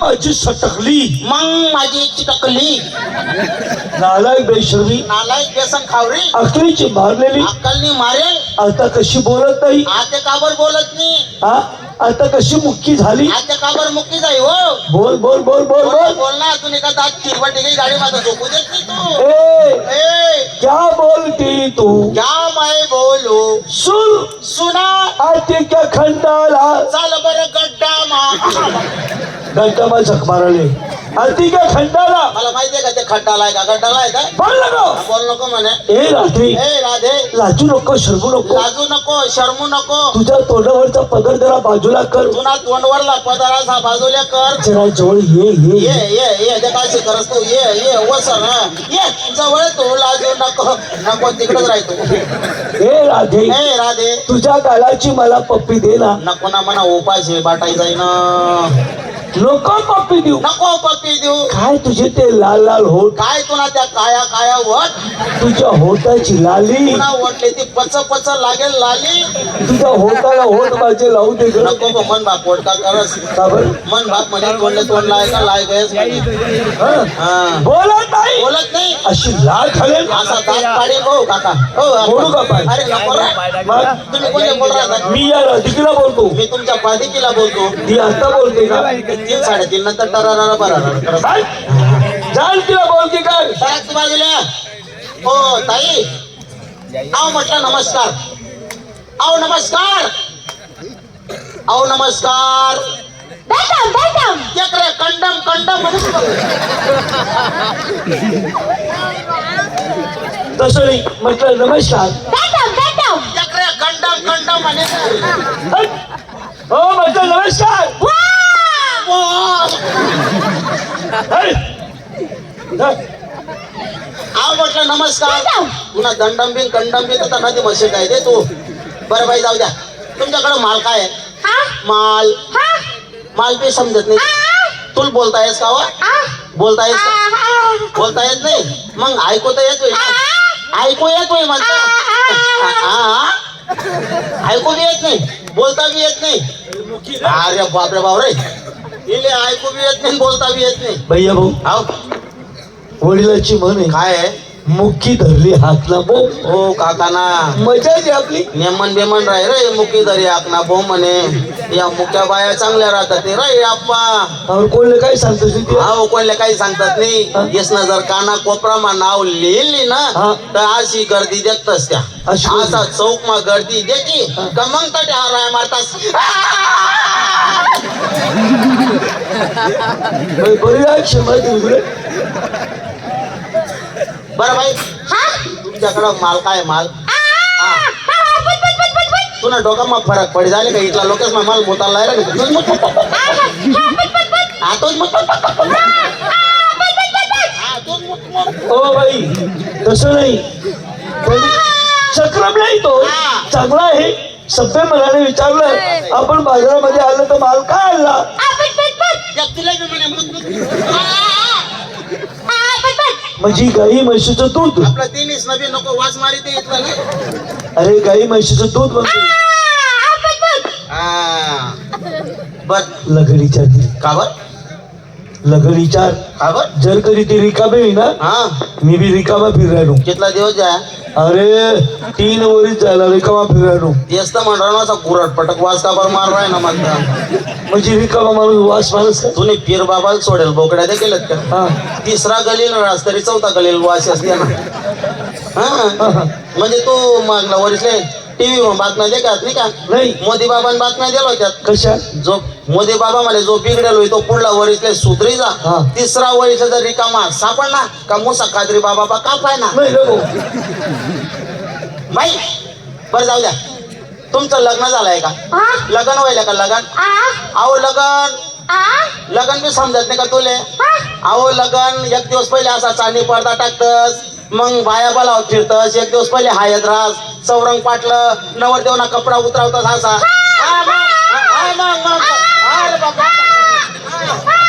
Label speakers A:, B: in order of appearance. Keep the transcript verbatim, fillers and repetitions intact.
A: माझी सटकली
B: मग माझी चिटकली
A: नालायक बेशर्मी
B: नालायक बेसन खावरी
A: अकलीची मारलेली
B: अक्कलनी मारेल
A: आता कशी बोलत नाही
B: आते काबर बोलत नाही
A: हा आता कशी मुक्की झाली
B: आते काबर मुक्की जाई हो
A: बोल बोल बोल बोल
B: बोल
A: बोल
B: बोल ना तू एका दात चिरवट गई गाडी माझा झोपू देत नाही तू
A: ए
B: ए
A: क्या बोलती तू
B: क्या मैं बोलू
A: सुन
B: सुना
A: आते क्या खंडाला
B: चल बर गड्डा मा
A: घंटा मला झक मारले आरती क्या खंडाला
B: मला माहितीये का ते खड्डाला आहे का गड्डाला आहे का
A: बोल नको
B: बोल नको म्हणे
A: ए रात्री
B: ए राधे
A: लाजू नको शरमू नको
B: लाजू नको शरमू नको
A: तुझ्या तोंडावरचा पदर जरा बाजूला कर
B: तुला तोंडवरला पदारा बाजूला कर
A: जरा जवळ ये ये
B: ये ये ये ते काय करस तू ये ये वसर हा ये जवळ तू लाजू नको नको तिकडेच राहतो
A: ए राधे
B: ए राधे
A: तुझ्या गालाची मला पप्पी दे ना
B: नको ना म्हणा उपास आहे बाटाई जाई ना
A: नको पप्पी देऊ
B: नको पप्पी देऊ
A: काय तुझे ते लाल लाल होठ
B: काय तुला त्या काया काया वट
A: तुझ्या होटाची लाली
B: पुन्हा वटले ती पच पच लागेल लाली
A: तुझ्या होटाला होट माझे लावू दे ग.
B: नको गं, मन बाप पोट का करस
A: का बरं?
B: मन बाप म्हणे तोंडले तोंड लाय का लाय गयस
A: हा?
B: हा
A: बोलत नाही
B: बोलत नाही
A: अशी लाल खालेल
B: असा दात पाडी हो काका हो
A: बोलू का पाय?
B: अरे नको रे.
A: मग
B: तुम्ही कोणी बोल राहता
A: मी या राधिकेला बोलतो
B: मी तुमच्या पाधिकीला बोलतो
A: ती आता बोलते का
B: तीन साडेतीन नंतर टरारा बरा
A: काय? जाल तिला बोलते काय
B: सरक बाजूला हो ताई आओ म्हटलं नमस्कार आओ नमस्कार आओ नमस्कार
C: बेटम बेटम
B: एक रे कंडम कंडम
A: तसं नाही म्हटलं नमस्कार
C: बेटम बेटम
B: एक रे कंडम कंडम म्हणे
A: हो म्हटलं नमस्कार हट. हट.
B: आओ म्हटलं नमस्कार पुन्हा दंडम बिन कंडम बिन तर नदी म्हशी काय दे तू बरं बाई जाऊ द्या तुमच्याकडे माल काय आहे
C: हा
B: माल
C: हा
B: माल बी समजत नाही तुला बोलता येस का व? बोलता येस का? बोलता येत नाही मग ऐकू तर येतोय ना? ऐकू येतोय म्हणतो ऐकू बी येत नाही बोलता बी येत नाही अरे बापरे बाप रे इले ऐकू बी येत नाही बोलता बी येत नाही
A: भैया भाऊ
B: हाव
A: वडिलाची म्हण आहे
B: काय आहे
A: मुक्की धरली हातला बो
B: हो काकाना
A: मजा आहे आपली
B: नेमन बेमन राय रे मुकी दरी आकना भो म्हणे या मुक्या बाया चांगल्या राहतात ते रे आप्पा
A: और कोणले काय सांगतोस ती
B: हा कोणले काही सांगतात नाही येस ना जर काना कोपरामा नाव लिहिली
A: हा.
B: ना तर अशी गर्दी देखतस त्या
A: अशी गर्दी.
B: असा चौक मा गर्दी देखी का मग तटे हाराय मारतास
A: बरी आहे क्षमा तुझे
B: बरं बाई
C: हा
B: तुमच्याकडं माल काय माल हा
C: पट पट पट पट पट
B: तुला डोक्यामा फरक पड झाले का इथला लोकच माल मोताला लायला हा तोच मग हा तोच मग
A: हो बाई तसं नाही पण चक्रम नाही तो
B: हा.
A: चांगला आहे सभ्य मनाने विचारलं आपण बाजारामध्ये आलं तर माल काय आणला
C: पट पट पट
B: तुला बी म्हणे मग
C: पट पट
A: म्हणजे गाई म्हशीचं दूध
B: आपला तिन्हीच नवी नको वास मारी ते इथला ना
A: अरे गाई म्हशीचं दूध म्हणतो
C: पट पट
B: हा बर
A: लगडीच्या
B: का बर
A: लगडीचार
B: का बर
A: जर कधी ती रिकामी होई ना
B: हा
A: मी बी रिकामा फिरायलो
B: कितला दिवस जा
A: अरे तीन वरीच झाला रिकामा फिरायलो
B: तेच तर म्हणणार ना असा कुरट पटक वास का बर मार राय ना म्हणता
A: म्हणजे रिकामा माणूस वास माणूस का?
B: तुम्ही पीर बाबाला सोडेल बोकड्या दे केलं का
A: हा
B: तिसरा गलील रास तरी चौथा गलील वास असते ना
A: हा,
B: हा
A: हा.
B: म्हणजे तू मागला वरीसले टीव्ही वर बातम्या देखत नाही का
A: नाही
B: मोदी बाबांनी बातम्या दिल्या होत्या
A: कशा
B: जो मोदी बाबा म्हणे जो बिघडेल होई तो पुढला वरीसले सुधरी जा
A: हा.
B: तिसरा वरीसला जर रिकामा सापडला का मुसा कादरी बाबा बा का पाय ना
A: नाही नको
B: बाई बरं जाऊ द्या तुमचं लग्न झालंय का
C: हा
B: लग्न व्हायला का लग्न
C: आ
B: अहो लग्न
C: आ
B: लग्न बी समजत नाही का तुले
C: हा
B: अहो लग्न एक दिवस पहिले असा चांदी पडदा टाकतस मग बाया बोलावत फिरतस एक दिवस पहिले हायत रास चौरंग पाटलं नवर देवना कपडा उतरवतस असा हा, मग, हा, मग, मग. अरे बाबा.